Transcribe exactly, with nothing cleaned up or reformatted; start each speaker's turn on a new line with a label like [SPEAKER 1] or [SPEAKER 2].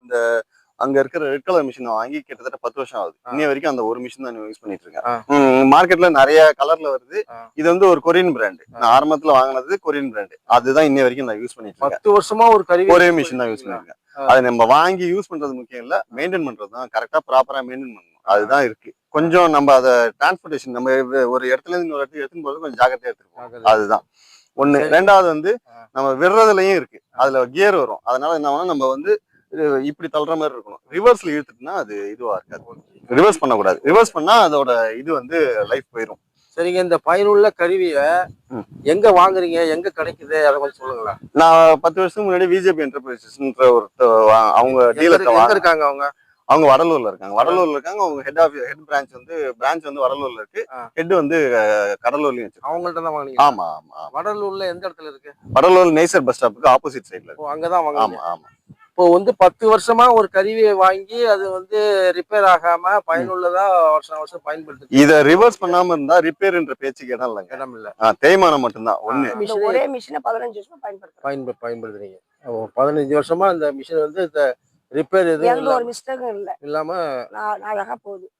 [SPEAKER 1] இந்த அங்க இருக்கிற ரெட் கலர் மிஷினை வாங்கி கிட்டத்தட்ட பத்து வருஷம் ஆகுது. இன்னைய வரைக்கும் அந்த ஒரு மிஷின் தான் யூஸ் பண்ணிட்டு இருக்கேன். மார்க்கெட்ல நிறைய கலர்ல வருது. இது வந்து ஒரு கொரியன் பிராண்ட். நான் ஆரம்பத்துல வாங்கினது கொரியன் பிராண்ட். அதுதான் இன்னைய வரைக்கும் நான் யூஸ் பண்ணிட்டு இருக்கேன்.
[SPEAKER 2] பத்து வருஷமா ஒரு கருவி
[SPEAKER 1] ஒரே மிஷின் தான் யூஸ் பண்ணிருக்கேன். அதை நம்ம வாங்கி யூஸ் பண்றது முக்கியம் இல்ல, மெயின்டைன் பண்றது தான். கரெக்டா ப்ராப்பரா மெயின்டைன் பண்ணணும், அதுதான் இருக்கு. கொஞ்சம் நம்ம அதை டிரான்ஸ்போர்டேஷன் நம்ம ஒரு இடத்துல இருந்து இன்னொரு இடத்துக்கு எடுத்துன்னு போது கொஞ்சம் ஜாக்கிரதையா எடுத்துருக்கோம். அதுதான் ஒண்ணு. ரெண்டாவது வந்து நம்ம விடுறதுலயும் இருக்கு, அதுல கியர் வரும். அதனால என்ன ஆகும், நம்ம வந்து இப்படி தள்ளுற மாதிரி இருக்கணும். ரிவர்ஸ்ல இழுத்துட்டுனா அது இதுவா இருக்காது. ரிவர்ஸ் பண்ணக்கூடாது. ரிவர்ஸ் பண்ணா அதோட இது வந்து லைஃப் போயிடும்.
[SPEAKER 2] சரிங்க, இந்த பயனுள்ள கருவியை எங்க வாங்குறீங்க, எங்க கிடைக்குது, அதை கொஞ்சம் சொல்லுங்களா?
[SPEAKER 1] நான் பத்து வருஷத்துக்கு முன்னாடி விஜேபி என்டர்பிரைசஸ்ன்ற ஒரு அவங்க டீலர்
[SPEAKER 2] இருக்காங்க. அவங்க
[SPEAKER 1] அவங்க வடலூர்ல இருக்காங்க. வடலூர்ல இருக்காங்க. அவங்க ஹெட் ஆஃப் ஹெட் பிரான்ச் வந்து பிரான்ச் வந்து வடலூர்ல இருக்கு. ஹெட் வந்து கடலூர்லயும் வச்சிருக்காங்க.
[SPEAKER 2] அவங்கள்ட்ட தான் வாங்குனீங்க?
[SPEAKER 1] ஆமா ஆமா.
[SPEAKER 2] வடலூர்ல எந்த இடத்துல இருக்கு?
[SPEAKER 1] வடலூர் நெய்சர் பஸ் ஸ்டாப்புக்கு ஆப்போசிட் சைடுல இருக்கு.
[SPEAKER 2] அங்கதான் வாங்குனீங்க?
[SPEAKER 1] ஆமா ஆமா.
[SPEAKER 2] இப்போ வந்து பத்து வருஷமா ஒரு கருவியை வாங்கி அது வந்து ரிப்பேர் ஆகாம பயனுள்ளதா வருஷம் வருஷம் பயன்படுத்து.
[SPEAKER 1] இதை ரிவர்ஸ் பண்ணாம இருந்தா ரிப்பேர்ன்ற பேச்சுக்கு இடம் இல்லைங்க.
[SPEAKER 2] இடம் இல்ல.
[SPEAKER 1] தேய்மானம் மட்டும்தான். ஒண்ணு
[SPEAKER 3] ஒரே மிஷினை பதினஞ்சு வருஷமா பயன்படுத்து
[SPEAKER 2] பயன்ப பயன்படுத்துறீங்க. பதினஞ்சு வருஷமா இந்த மிஷின் வந்து ரிப்பேர் எதுவும்
[SPEAKER 3] ஒரு மிஸ்டேக்கும் இல்ல
[SPEAKER 2] இல்லாம
[SPEAKER 3] நான் அழகா போகுது.